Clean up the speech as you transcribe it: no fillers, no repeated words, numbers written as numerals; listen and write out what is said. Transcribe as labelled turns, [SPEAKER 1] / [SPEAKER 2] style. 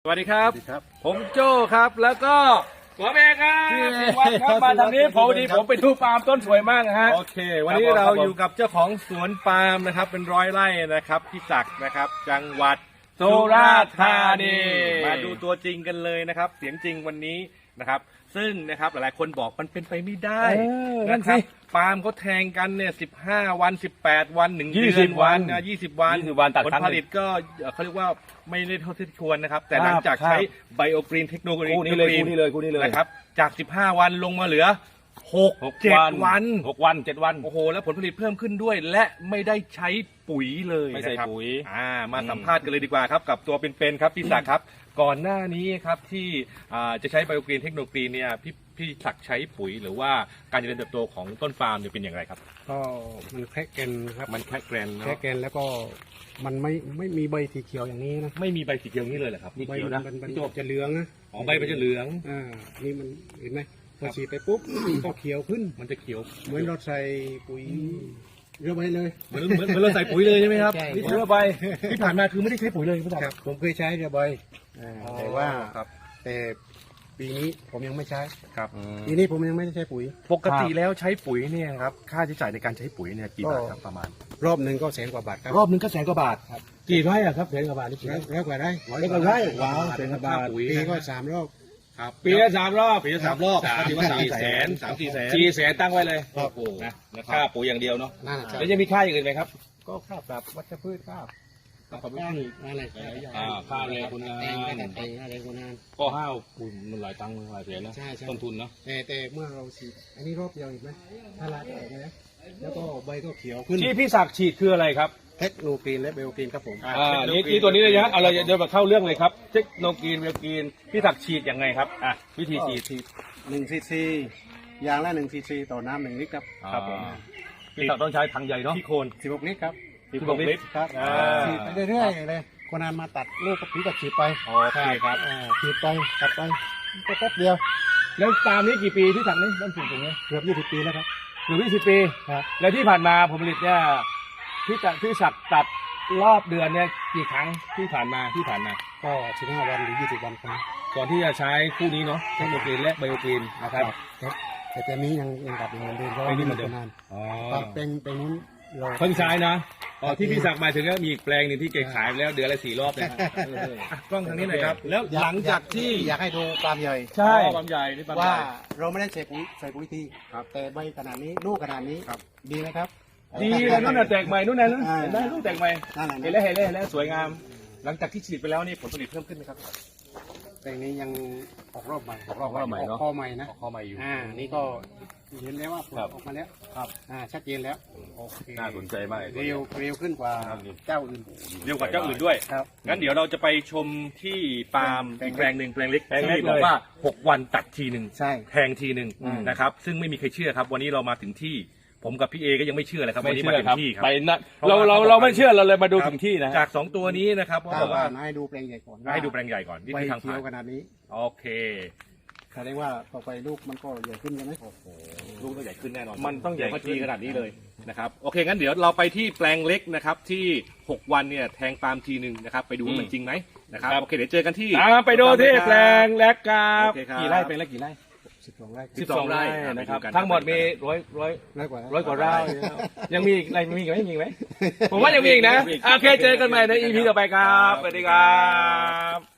[SPEAKER 1] สวัสดีครับผมโจ้ครับแล้วก็ผมเองครับวัดครับมาทางนี้ผมดีผมไปดูปาล์มต้นสวยมากนะฮะโอเควันนี้เราอยู่กับเจ้าของสวนปาล์มนะครับเป็น100 ไร่นะครับพี่ศักดิ์นะครับจังหวัดสุราษฎร์ธานีมาดูตัวจริงกันเลยนะครับเสียงจริงวันนี้นะครับซึ่งนะครับหลายๆคนบอกมันเป็นไปไม่ได้นะครับปาล์มเขาแทงกันเนี่ย15 วัน18 วัน1 เดือนวัน20 วันผลผลิตก็เขาเรียกว่าไม่ได้เท่าที่ควรนะครับแต่หลังจากใช้ไบโอกรีนเทคโนโลยีคู่นี้เลยนะครับจาก15 วันลงมาเหลือ7 วันโอ้โหแล้วผลผลิตเพิ่มขึ้นด้วยและไม่ได้ใช้ปุ๋ยเลยไม่ใช่ปุ๋ยมาสัมภาษณ์กันเลยดีกว่าครับกับตัวเป็นๆครับพี่ศักดิ์ครับก่อนหน้านี้ครับที่จะใช้ไบโอกรีนเทคโนโลยีเนี่ยพี่ศักดิ์ใช้ปุ๋ยหรือว่าการเจริญเติบโตของต้นปาล์มเนี่ยเป็นอย่างไรครับ
[SPEAKER 2] ก็มันแค่แกนครับ
[SPEAKER 1] มันแค่แกน
[SPEAKER 2] แค่แกนแล้วก็มันไม่มีใบสีเขียวอย่างนี้นะ
[SPEAKER 1] ไม่มีใบสีเขียวนี้เลยเหรอครับ
[SPEAKER 2] ใบมันจะเหลืองนะ
[SPEAKER 1] ใบมันจะเหลือง
[SPEAKER 2] นี่มันเห็นไหมพอฉีดไปปุ๊บก็เขียวขึ้น
[SPEAKER 1] มันจะเขียว
[SPEAKER 2] เหมือนเราใส่ปุ๋ยเรือใบเลย
[SPEAKER 1] เหมือนเราใส่ปุ๋ยเลยใช่ไหมครับเรือใบที่ผ่านมาคือไม่ได้ใช้ปุ๋ยเลยพี่ศักดิ์
[SPEAKER 2] ผมเคยใช้เรือใบแต่ว่าแต่ปีนี้ผมยังไม่ใช้
[SPEAKER 1] ครับ
[SPEAKER 2] ปีนี้ผมยังไม่ได้ใช้ปุ๋ย
[SPEAKER 1] ปกติแล้วใช้ปุ๋ยเนี่ยครับค่าใช้จ่ายในการใช้ปุ๋ยเนี่ยกี่บาทครับประมาณ
[SPEAKER 2] รอบหนึ่งก็100,000 กว่าบาทครับ
[SPEAKER 1] รอบหนึ่งก็100,000 กว่าบาท
[SPEAKER 2] ครับ
[SPEAKER 1] กี่ไร่อะครับ100,000 กว่าบาทนี่
[SPEAKER 2] ร้อยกว่าไร่
[SPEAKER 1] ว้าว100,000 กว่าบาท
[SPEAKER 2] ปีก็3 รอบ
[SPEAKER 1] ครับปีละ3 รอบถือว่า3-4 แสนตั้งไว้เลย
[SPEAKER 2] โอ้
[SPEAKER 1] โหค่าปุ๋ยอย่างเดียวเนาะแล้วจะมีค่าอย่างอื่นไหมครับ
[SPEAKER 2] ก็ค่าปรับวัชพืชค่าอะไร
[SPEAKER 1] ค่าแรงคนงาน
[SPEAKER 2] อะไรคนงาน
[SPEAKER 1] ก็ห้าวคุณมันหลายตังค์หลายแสนนะต้นทุนเนาะ
[SPEAKER 2] แต่เมื่อเราฉีดอันนี้รอบเดียวเห็นไหมถ้าลาออกนะแล้วก็ใบก็เขียวขึ้น
[SPEAKER 1] ที่พี่ศักดิ์ฉีดคืออะไรครับ
[SPEAKER 2] เทคโนโลยีและเบลกีนครับผม
[SPEAKER 1] นี่ตัวนี้เลยนะเอาเราเดี๋ยวมาเข้าเรื่องเลยครับเทคโนโลยีเบลกีนพี่ศักดิ์ฉีดยังไงครับวิธีฉีด
[SPEAKER 2] 1 cc ยางละ1 cc ต่อน้ำ1 ลิตรครับ
[SPEAKER 1] ผมพี่ศักดิ์ต้องใช้ถังใหญ่เนาะ
[SPEAKER 2] ที่โคน16 ลิตรครับ
[SPEAKER 1] 16 ลิตร
[SPEAKER 2] ครับฉีดไปเรื่อยๆเลยคนงานมาตัดลูกก็ผีก็ฉีดไป
[SPEAKER 1] ใช่ครับ
[SPEAKER 2] ฉีดไปตัดไปก็แป๊บเดียว
[SPEAKER 1] แล้วตามนี้กี่ปีที่สั่งนี้ต้นฉีดตรงนี้
[SPEAKER 2] เกือบ20 ปีแล้วครับ
[SPEAKER 1] เกือบ20 ปีแล้วที่ผ่านมาผลผลิตเนี่ยพี่ศักดิ์ตัดรอบเดือนเนี่ยกี่ครั้งที่ผ่านมา
[SPEAKER 2] ก็15 วันหรือ20 วันครับ
[SPEAKER 1] ก่อนที่จะใช้คู่นี้เนาะเทคโนโลยีและไบโอกรีนนะครับ
[SPEAKER 2] แต่ตอนนี้ยังตัดเหมือนเดิมเพราะว่าไม่มีคนงานเป็นนู้น
[SPEAKER 1] เพิ่งใช้นะที่พี่ศักดิ์หมายถึงก็มีอีกแปลงหนึ่งที่เก็บขายไปแล้วเดือนละ4 รอบนะกล้องทางนี้หน่อยครับแล้วหลังจากที่
[SPEAKER 2] อยากให้ดูปาล์มใหญ่
[SPEAKER 1] ใช่ปาล์มใหญ่นี่ปาล์มใหญ่
[SPEAKER 2] ว่าเราไม่ได้ใส่ปุ๋ยทีแต่ใบขนาดนี้ลูกขนาดนี้ดีไหมครับ
[SPEAKER 1] ดีเลยนู่นน่ะแตกใหม่นู่นน่ะเห็นไหมลูกแตกใหม่เห็นแล้วสวยงามหลังจากที่ฉีดไปแล้วนี่ผลผลิตเพิ่มขึ้นไหมครับ
[SPEAKER 2] แปลงนี้ยังออกรอบใหม่
[SPEAKER 1] เนาะ
[SPEAKER 2] ข้อใหม่นะ
[SPEAKER 1] ข้อใหม่อยู่
[SPEAKER 2] นี่ก็เห็นแล้วว่าผลออกมาแล้ว
[SPEAKER 1] ครับ
[SPEAKER 2] ชัดเจนแล้ว
[SPEAKER 1] โอเคน่าสนใจมาก
[SPEAKER 2] เร็วขึ้นกว่าเจ้าอื่น
[SPEAKER 1] เร็วกว่าเจ้าอื่นด้วยงั้นเดี๋ยวเราจะไปชมที่ปาล์มอีกแปลงหนึ่งแปลงเล็กที่บอกว่า6 วันตัดทีหนึ่งแทงทีหนึ่งนะครับซึ่งไม่มีใครเชื่อครับวันนี้เรามาถึงที่ผมกับพี่เอก็ยังไม่เชื่อเลยครับวันนี้มาถึงที่ครับเราไม่เชื่อเราเลยมาดูถึงที่นะจาก2 ตัวนี้นะครับเพราะว่า
[SPEAKER 2] ให้ดูแปลงใหญ่ก่อน
[SPEAKER 1] ให้ดูแปลงใหญ่ก่อน
[SPEAKER 2] นี่คือทางผ่านขนาดนี้
[SPEAKER 1] โอเค
[SPEAKER 2] แสดงว่าต่อไปลูกมันก็ใหญ่ขึ้นใช่ไหม
[SPEAKER 1] ลูกต้องใหญ่ขึ้นแน่นอนมันต้องใหญ่ทีขนาดนี้เลยนะครับโอเคงั้นเดี๋ยวเราไปที่แปลงเล็กนะครับที่6 วันเนี่ยแทงปาล์มทีหนึ่งนะครับไปดูว่ามันจริงไหมนะครับโอเคเดี๋ยวเจอกันที่ไปดูที่แปลงเล็กครับกี่ไร่เป็นแล้วกี่ไร่12 ไร่นะครับทั้งหมดมี100 กว่าไร่ยังมีอีกอะไรมีอีกไหมผมว่ายังมีอีกนะโอเคเจอกันใหม่ใน EP ต่อไปครับสวัสดีครับ